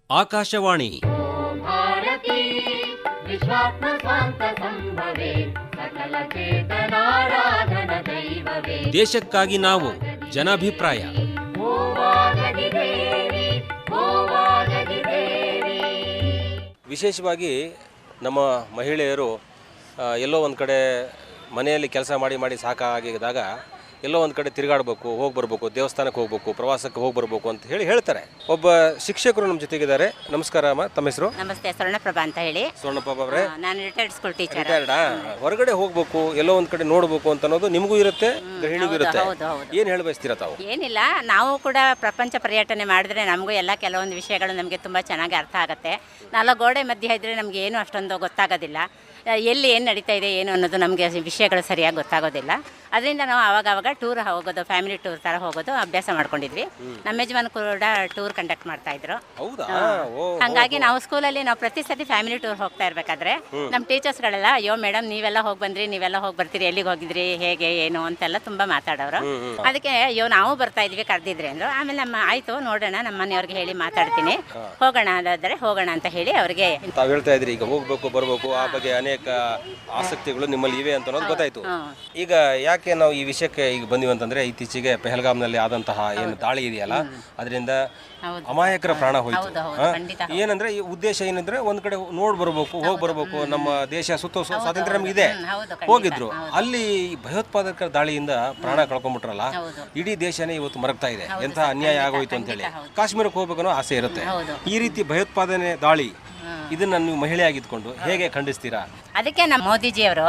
ಆಕಾಶವಾಣಿ. ಭಾರತೀ ವಿಶ್ವಾತ್ಮ ಸ್ವಾಂತ ಸಂಭವೇ ಸಕಲ ಚೇತನಾರಾಧನ ದೈವವೇ. ದೇಶಕ್ಕಾಗಿ ನಾವು ಜನಾಭಿಪ್ರಾಯ. ವಿಶೇಷವಾಗಿ ನಮ್ಮ ಮಹಿಳೆಯರು ಎಲ್ಲೋ ಒಂದು ಕಡೆ ಮನೆಯಲ್ಲಿ ಕೆಲಸ ಮಾಡಿ ಸಾಕಾಗಿದ್ದಾಗ ಎಲ್ಲೋ ಒಂದು ಕಡೆ ತಿರುಗಾಡಬೇಕು, ಹೋಗಿ ಬರಬೇಕು, ದೇವಸ್ಥಾನಕ್ಕೆ ಹೋಗಬೇಕು, ಪ್ರವಾಸಕ್ಕೆ ಹೋಗಿ ಬರಬೇಕು ಅಂತ ಹೇಳ್ತಾರೆ. ಒಬ್ಬ ಶಿಕ್ಷಕರು ನಮ್ಮ ಜೊತೆಗಿದ್ದಾರೆ. ನಮಸ್ಕಾರ ಅಮ್ಮ, ತಮ್ಮ ಹೆಸರು? ನಮಸ್ತೆ, ಸ್ವರ್ಣಪ್ರಭಾ ಅಂತ ಹೇಳಿ. ಸ್ವರ್ಣಪ್ರಭಾ ಅವರೇ, ನಾನು ರಿಟೈರ್ಡ್ ಸ್ಕೂಲ್ ಟೀಚರ್. ರಿಟೈರ್ಡಾ? ಹೊರಗಡೆ ಹೋಗ್ಬೇಕು, ಎಲ್ಲೋ ಒಂದು ಕಡೆ ನೋಡಬೇಕು ಅಂತ ಅನ್ನೋದು ನಿಮಗೂ ಇರುತ್ತೆ, ಗೃಹಿಣಿಗೂ ಇರುತ್ತೆ. ಏನು ಹೇಳಿ ಬಯಸ್ತೀರಾ ತಾವು? ಏನಿಲ್ಲ, ನಾವು ಕೂಡ ಪ್ರಪಂಚ ಪರ್ಯಟನೆ ಮಾಡಿದ್ರೆ ನಮಗೂ ಎಲ್ಲ ಕೆಲವೊಂದು ವಿಷಯಗಳು ನಮಗೆ ತುಂಬ ಚೆನ್ನಾಗಿ ಅರ್ಥ ಆಗುತ್ತೆ. ನಾಲ್ಕು ಗೋಡೆ ಮಧ್ಯೆ ಇದ್ದರೆ ನಮಗೆ ಏನು ಅಷ್ಟೊಂದು ಗೊತ್ತಾಗೋದಿಲ್ಲ. ಎಲ್ಲಿ ಏನು ನಡೀತಾ ಇದೆ ಏನು ಅನ್ನೋದು ನಮಗೆ ವಿಷಯಗಳು ಸರಿಯಾಗಿ ಗೊತ್ತಾಗೋದಿಲ್ಲ. ಅದರಿಂದ ನಾವು ಆವಾಗ ಟೂರ್ ಹೋಗೋದು, ಫ್ಯಾಮಿಲಿ ಟೂರ್ ಥರ ಹೋಗೋದು ಅಭ್ಯಾಸ ಮಾಡ್ಕೊಂಡಿದ್ವಿ. ನಮ್ಮ ಯಜಮಾನ್ ಕೂಡ ಟೂರ್ ಕಂಡಕ್ಟ್ ಮಾಡ್ತಾ ಇದ್ರು. ಹಾಗಾಗಿ ನಾವು ಸ್ಕೂಲಲ್ಲಿ ನಾವು ಪ್ರತಿ ಸತಿ ಫ್ಯಾಮಿಲಿ ಟೂರ್ ಹೋಗ್ತಾ ಇರಬೇಕಾದ್ರೆ ನಮ್ಮ ಟೀಚರ್ಸ್ಗಳೆಲ್ಲ, ಅಯ್ಯೋ ಮೇಡಮ್ ನೀವೆಲ್ಲ ಹೋಗಿ ಬಂದ್ರಿ, ನೀವೆಲ್ಲ ಹೋಗಿ ಬರ್ತೀರಿ, ಎಲ್ಲಿಗೆ ಹೋಗಿದ್ರಿ, ಹೇಗೆ ಏನು ಅಂತೆಲ್ಲ ತುಂಬ ಮಾತಾಡೋರು. ಅದಕ್ಕೆ ಅಯ್ಯೋ ನಾವು ಬರ್ತಾ ಇದ್ವಿ, ಕರೆದಿದ್ರಿ ಅಂದರು. ಆಮೇಲೆ ಆಯಿತು ನೋಡೋಣ, ನಮ್ಮ ಮನೆಯವ್ರಿಗೆ ಹೇಳಿ ಮಾತಾಡ್ತೀನಿ, ಹೋಗೋಣ ಅದಾದರೆ ಹೋಗೋಣ ಅಂತ ಹೇಳಿ ಅವರಿಗೆ. ತಾವು ಹೇಳ್ತಾ ಇದ್ರಿ ಈಗ ಹೋಗ್ಬೇಕು ಬರಬೇಕು, ಆ ಬಗ್ಗೆ ಅನೇಕ ಆಸಕ್ತಿಗಳು ನಿಮ್ಮಲ್ಲಿ ಇವೆ ಅಂತ ಅನ್ನೋದು ಗೊತ್ತಾಯ್ತು. ಈಗ ಯಾಕೆ ನಾವು ಈ ವಿಷಯಕ್ಕೆ ಈಗ ಬಂದಿವಿ ಅಂತಂದ್ರೆ, ಇತ್ತೀಚೆಗೆ ಪೆಹಲ್ಗಾಮ್ನಲ್ಲಿ ಆದಂತಹ ಏನು ದಾಳಿ ಇದೆಯಲ್ಲ, ಅದರಿಂದ ಅಮಾಯಕರ ಪ್ರಾಣ ಹೋಯ್ತು. ಏನಂದ್ರೆ ಈ ಉದ್ದೇಶ ಏನಂದ್ರೆ ಒಂದ್ ಕಡೆ ನೋಡ್ ಬರ್ಬೇಕು, ಹೋಗಿ ಬರ್ಬೇಕು, ನಮ್ಮ ದೇಶ ಸುತ್ತ ಸ್ವಾತಂತ್ರ್ಯ ನಮ್ಗೆ ಇದೆ, ಹೋಗಿದ್ರು. ಅಲ್ಲಿ ಭಯೋತ್ಪಾದಕರ ದಾಳಿಯಿಂದ ಪ್ರಾಣ ಕಳ್ಕೊಂಡ್ಬಿಟ್ರಲ್ಲ, ಇಡೀ ದೇಶನೇ ಇವತ್ತು ಮರಗ್ತಾ ಇದೆ. ಎಂಥ ಅನ್ಯಾಯ ಆಗೋಯ್ತು ಅಂತ ಹೇಳಿ ಕಾಶ್ಮೀರಕ್ಕೆ ಹೋಗ್ಬೇಕನ್ನೋ ಆಸೆ ಇರುತ್ತೆ. ಈ ರೀತಿ ಭಯೋತ್ಪಾದನೆ ದಾಳಿ ಇದನ್ನ ನೀವು ಮಹಿಳೆಯಾಗಿದ್ಕೊಂಡು ಹೇಗೆ ಖಂಡಿಸ್ತೀರಾ? ಅದಕ್ಕೆ ನಮ್ಮ ಮೋದಿಜಿಯವರು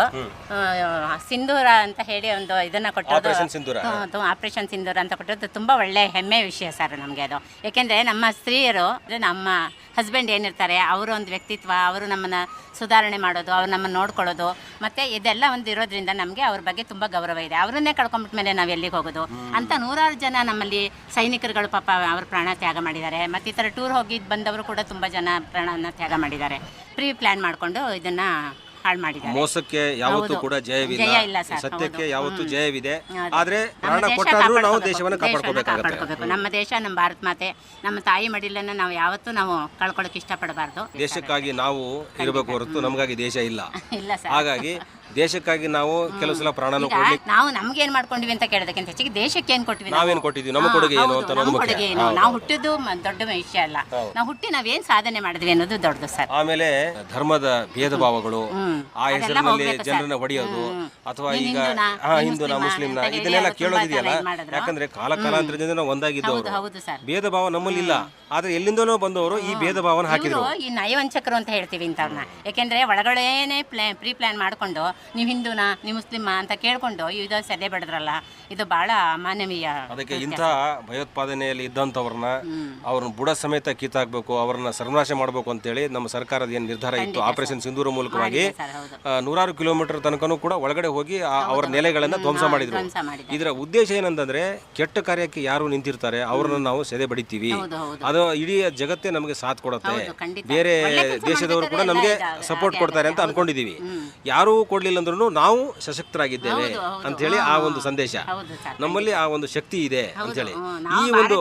ಸಿಂಧೂರ ಅಂತ ಹೇಳಿ ಒಂದು ಇದನ್ನ ಕೊಟ್ಟರು, ಆಪರೇಷನ್ ಸಿಂಧೂರ ಅಂತ ಕೊಟ್ಟದ್ದು ತುಂಬ ಒಳ್ಳೆ ಹೆಮ್ಮೆ ವಿಷಯ ಸರ್ ನಮಗೆ ಅದು. ಯಾಕೆಂದರೆ ನಮ್ಮ ಸ್ತ್ರೀಯರು, ನಮ್ಮ ಹಸ್ಬೆಂಡ್ ಏನಿರ್ತಾರೆ, ಅವರು ಒಂದು ವ್ಯಕ್ತಿತ್ವ, ಅವರು ನಮ್ಮನ್ನು ಸುಧಾರಣೆ ಮಾಡೋದು, ಅವ್ರು ನಮ್ಮನ್ನು ನೋಡ್ಕೊಳ್ಳೋದು, ಮತ್ತು ಇದೆಲ್ಲ ಒಂದು ಇರೋದ್ರಿಂದ ನಮಗೆ ಅವ್ರ ಬಗ್ಗೆ ತುಂಬ ಗೌರವ ಇದೆ. ಅವರನ್ನೇ ಕಳ್ಕೊಂಡ್ಬಿಟ್ಮೇಲೆ ನಾವು ಎಲ್ಲಿಗೆ ಹೋಗೋದು ಅಂತ ನೂರಾರು ಜನ ನಮ್ಮಲ್ಲಿ ಸೈನಿಕರುಗಳು ಪಾಪ ಅವ್ರ ಪ್ರಾಣ ತ್ಯಾಗ ಮಾಡಿದ್ದಾರೆ. ಮತ್ತು ಈ ಥರ ಟೂರ್ ಹೋಗಿ ಬಂದವರು ಕೂಡ ತುಂಬ ಜನ ಪ್ರಾಣವನ್ನು ತ್ಯಾಗ ಮಾಡಿದ್ದಾರೆ. ಪ್ರೀ ಪ್ಲ್ಯಾನ್ ಮಾಡಿಕೊಂಡು ಇದನ್ನು ಹಾಳು ಮಾಡಿದ್ದಾರೆ. ಮೋಸಕ್ಕೆ ಯಾವತ್ತೂ ಕೂಡ ಜಯವಿಲ್ಲ, ಸತ್ಯಕ್ಕೆ ಯಾವತ್ತೂ ಜಯವಿದೆ. ಆದ್ರೆ ಪ್ರಾಣ ಕೊಟ್ಟಾದ್ರೂ ನಾವು ದೇಶವನ್ನು ಕಾಪಾಡ್ಕೋಬೇಕು. ನಮ್ಮ ದೇಶ, ನಮ್ಮ ಭಾರತ ಮಾತೆ, ನಮ್ಮ ತಾಯಿ ಮಡಿಲನ್ನ ನಾವು ಯಾವತ್ತೂ ನಾವು ಕಳ್ಕೊಳ್ಳೋಕೆ ಇಷ್ಟಪಡಬಾರ್ದು. ದೇಶಕ್ಕಾಗಿ ನಾವು ಇರಬೇಕು ಹೊರತು ನಮಗಾಗಿ ದೇಶ ಇಲ್ಲ. ಸರ್, ಹಾಗಾಗಿ ದೇಶಕ್ಕಾಗಿ ನಾವು ಕೆಲವು ಸಲ ಪ್ರಾಣನೂ ನಾವು ನಮ್ಗೆ ಏನ್ ಮಾಡ್ಕೊಂಡಿವಿ ಅಂತ ಕೇಳೋದಕ್ಕಿಂತ ಹೆಚ್ಚಿಗೆ ದೇಶಕ್ಕೆ ಏನ್ ಕೊಟ್ಟಿವಿ, ನಾವೇನ್ ಕೊಟ್ಟಿದ್ವಿ, ನಮ್ಮ ಕೊಡುಗೆ ಏನು ಅಂತ ಅನ್ನೋದು ಮುಖ್ಯ. ನಾವು ಹುಟ್ಟಿದ್ದು ದೊಡ್ಡ ವಿಷಯ ಅಲ್ಲ, ನಾವು ಹುಟ್ಟಿ ನಾವೇನ್ ಸಾಧನೆ ಮಾಡಿದ್ವಿ ಅನ್ನೋದು ದೊಡ್ಡದು ಸರ್. ಆಮೇಲೆ ಧರ್ಮದ ಭೇದ ಭಾವಗಳು, ಆ ಹೆಸರಿನಲ್ಲಿ ಜನರನ್ನ ಹೊಡೆಯೋದು, ಅಥವಾ ಈಗ ಹಿಂದೂನ ಮುಸ್ಲಿಂನ ಇದನ್ನೆಲ್ಲ ಕೇಳೋದಿದೆಯಲ್ಲ. ಯಾಕಂದ್ರೆ ಕಾಲಾಂತರದಿಂದ ನಾವು ಒಂದಾಗಿದ್ದವರು, ಭೇದ ಭಾವ ನಮ್ಮಲ್ಲಿ ಇಲ್ಲ. ಆದ್ರೆ ಎಲ್ಲಿಂದನೋ ಬಂದವರು ಈ ಭೇದ ಭಾವನ ಹಾಕಿದ್ರು. ಈ ನಯವಂಚಕರು ಅಂತ ಹೇಳ್ತೀವಿ ಇಂಥವ್ರನ್ನ. ಯಾಕೆಂದ್ರೆ ಒಳಗಡೆನೆ ಪ್ರೀ ಪ್ಲಾನ್ ಮಾಡ್ಕೊಂಡು ನೀವು ಹಿಂದೂನ, ನೀವು ಮುಸ್ಲಿಮ ಅಂತ ಕೇಳ್ಕೊಂಡು ಇದು ಸದೆ ಬಡದ್ರಲ್ಲ, ಇದು ಬಹಳ ಅಮಾನವೀಯ. ಅದಕ್ಕೆ ಇಂಥ ಭಯೋತ್ಪಾದನೆಯಲ್ಲಿ ಇದ್ದಂಥವ್ರನ್ನ ಅವ್ರನ್ನ ಬುಡ ಸಮೇತ ಕಿತ್ತಾಕ್ಬೇಕು, ಅವ್ರನ್ನ ಸರ್ವನಾಶ ಮಾಡಬೇಕು ಅಂತೇಳಿ ನಮ್ಮ ಸರ್ಕಾರದ ಏನು ನಿರ್ಧಾರ ಇತ್ತು, ಆಪರೇಷನ್ ಸಿಂಧೂರ ಮೂಲಕವಾಗಿ ನೂರಾರು ಕಿಲೋಮೀಟರ್ ತನಕನೂ ಕೂಡ ಒಳಗಡೆ ಹೋಗಿ ಅವರ ನೆಲೆಗಳನ್ನ ಧ್ವಂಸ ಮಾಡಿದ್ರು. ಇದರ ಉದ್ದೇಶ ಏನಂತಂದ್ರೆ, ಕೆಟ್ಟ ಕಾರ್ಯಕ್ಕೆ ಯಾರು ನಿಂತಿರ್ತಾರೆ ಅವ್ರನ್ನ ನಾವು ಸೆದೆ ಬಡಿತೀವಿ, ಅದು ಇಡೀ ಜಗತ್ತೇ ನಮಗೆ ಸಾಥ್ ಕೊಡುತ್ತೆ, ಬೇರೆ ದೇಶದವರು ಕೂಡ ನಮಗೆ ಸಪೋರ್ಟ್ ಕೊಡ್ತಾರೆ ಅಂತ ಅನ್ಕೊಂಡಿದೀವಿ. ಯಾರೂ ಕೊಡ್ಲಿಲ್ಲ ಅಂದ್ರೂ ನಾವು ಸಶಕ್ತರಾಗಿದ್ದೇವೆ ಅಂತ ಹೇಳಿ ಆ ಒಂದು ಸಂದೇಶ, ನಮ್ಮಲ್ಲಿ ಆ ಒಂದು ಶಕ್ತಿ ಇದೆ ಅಂತ ಹೇಳಿ ಈ ಒಂದು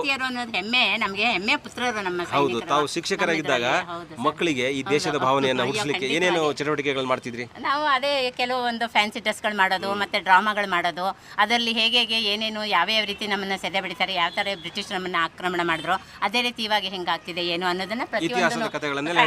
ಹೆಮ್ಮೆ ಪುತ್ರರು ನಮ್ಮ. ಹೌದು, ತಾವು ಶಿಕ್ಷಕರಾಗಿದ್ದಾಗ ಮಕ್ಕಳಿಗೆ ಈ ದೇಶದ ಭಾವನೆಯನ್ನ ಹುಟ್ಟಿಸ್ಲಿಕ್ಕೆ ಏನೇನು ಚಟುವಟಿಕೆಗಳು ಮಾಡ್ತಿದ್ರಿ? ನಾವು ಅದೇ ಕೆಲವೊಂದು ಫ್ಯಾನ್ಸಿ ಡ್ರೆಸ್ಗಳು ಮಾಡೋದು, ಮತ್ತೆ ಡ್ರಾಮಾಗಳು ಮಾಡೋದು, ಅದರಲ್ಲಿ ಹೇಗೆ ಏನೇನು ಯಾವ್ಯಾವ ರೀತಿ ನಮ್ಮನ್ನ ಸೆದೆ ಬಡಿತಾರೆ, ಯಾವ ತರ ಬ್ರಿಟಿಷ್ ನಮ್ಮನ್ನ ಆಕ್ರಮಣ ಮಾಡಿದ್ರು, ಅದೇ ರೀತಿ ಇವಾಗ ಹೆಂಗಾಗ್ತಿದೆ ಏನು ಅನ್ನೋದನ್ನ ಇತಿಹಾಸದ ಕಥೆಗಳನ್ನೆಲ್ಲ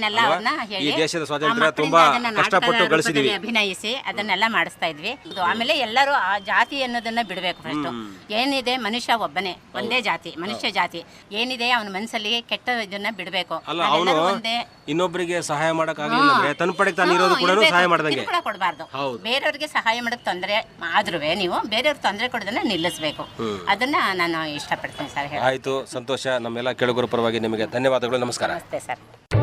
ಹೇಳಿ ದೇಶದ ಸ್ವಾತಂತ್ರ್ಯ ತುಂಬಾ ಕಷ್ಟಪಟ್ಟು ಗಳಿಸಿದೀವಿ, ಅಭಿನಯಿಸಿ ಅದನ್ನೆಲ್ಲ ಮಾಡಿಸ್ತಾ ಇದ್ವಿ. ಆಮೇಲೆ ಎಲ್ಲರೂ ಆ ಜಾತಿ ಅನ್ನೋದನ್ನ ಬಿಡಬೇಕು. ಫಸ್ಟ್ ಏನಿದೆ, ಮನುಷ್ಯ ಒಬ್ಬನೇ, ಒಂದೇ ಜಾತಿ, ಮನುಷ್ಯ ಜಾತಿ ಏನಿದೆ ಅವನ ಮನಸ್ಸಲ್ಲಿ ಕೆಟ್ಟ ಇದನ್ನ ಬಿಡಬೇಕು. ಇನ್ನೊಬ್ಬರಿಗೆ ಸಹಾಯ ಮಾಡಕ್ ಆಗಲಿಲ್ಲ ಅಂದ್ರೆ ತನ್ನ ಪಡೆಗೆ ತಾನು ಇರೋದು ಕೂಡ ಸಹಾಯ ಮಾಡ್ದಂಗೆ ಕೊಡಬಾರ್ದು. ಬೇರೆಯವ್ರಿಗೆ ಸಹಾಯ ಮಾಡಕ್ ತೊಂದರೆ ಆದ್ರೂ ನೀವು ಬೇರೆಯವ್ರಿಗೆ ತೊಂದರೆ ಕೊಡೋದನ್ನ ನಿಲ್ಲಿಸಬೇಕು. ಅದನ್ನ ನಾನು ಇಷ್ಟಪಡ್ತೀನಿ ಸರ್. ಆಯ್ತು, ಸಂತೋಷ. ನಮ್ಮೆಲ್ಲ ಕೇಳುಗರ ಪರವಾಗಿ ನಿಮಗೆ ಧನ್ಯವಾದಗಳು. ನಮಸ್ಕಾರ. ನಮಸ್ತೆ ಸರ್.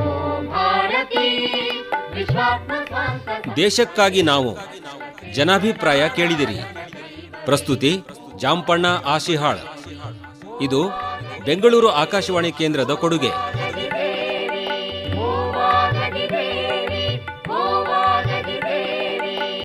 ದೇಶಕ್ಕಾಗಿ ನಾವು ಜನಾಭಿಪ್ರಾಯ ಕೇಳಿದಿರಿ. ಪ್ರಸ್ತುತಿ ಜಾಂಪಣ್ಣ ಆಶಿಹಾಳ್. ಇದು ಬೆಂಗಳೂರು ಆಕಾಶವಾಣಿ ಕೇಂದ್ರದ ಕೊಡುಗೆ.